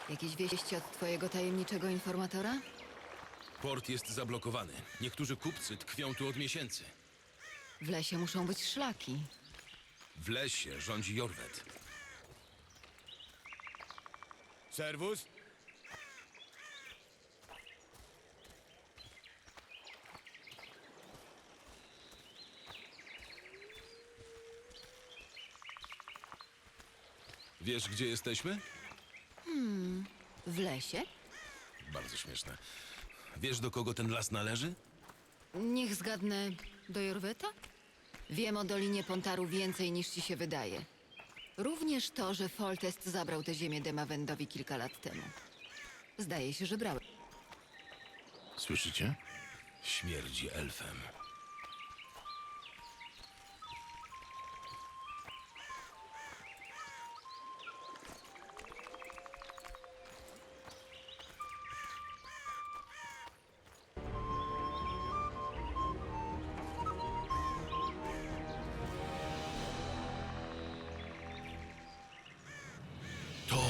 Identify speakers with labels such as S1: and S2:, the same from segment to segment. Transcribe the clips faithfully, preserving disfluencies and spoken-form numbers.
S1: Jakieś wieści od twojego tajemniczego informatora?
S2: Port jest zablokowany. Niektórzy kupcy tkwią tu od miesięcy.
S1: W lesie muszą być szlaki.
S2: W lesie rządzi Jorwet.
S3: Serwus?
S2: Wiesz, gdzie jesteśmy?
S1: W lesie?
S2: Bardzo śmieszne. Wiesz, do kogo ten las należy?
S1: Niech zgadnę, do Jorweta? Wiem o Dolinie Pontaru więcej niż ci się wydaje. Również to, że Foltest zabrał tę ziemię Demawendowi kilka lat temu. Zdaje się, że brał.
S2: Słyszycie? Śmierdzi elfem. To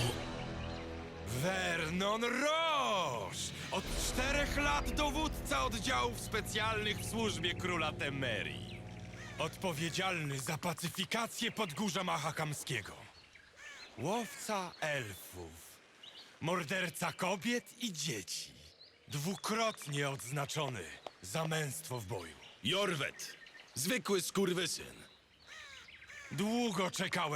S3: Vernon Roche! Od czterech lat dowódca oddziałów specjalnych w służbie króla Temerii. Odpowiedzialny za pacyfikację Podgórza Mahakamskiego. Łowca elfów. Morderca kobiet i dzieci. Dwukrotnie odznaczony za męstwo w boju.
S2: Jorwet! Zwykły skurwysyn.
S3: Długo czekałem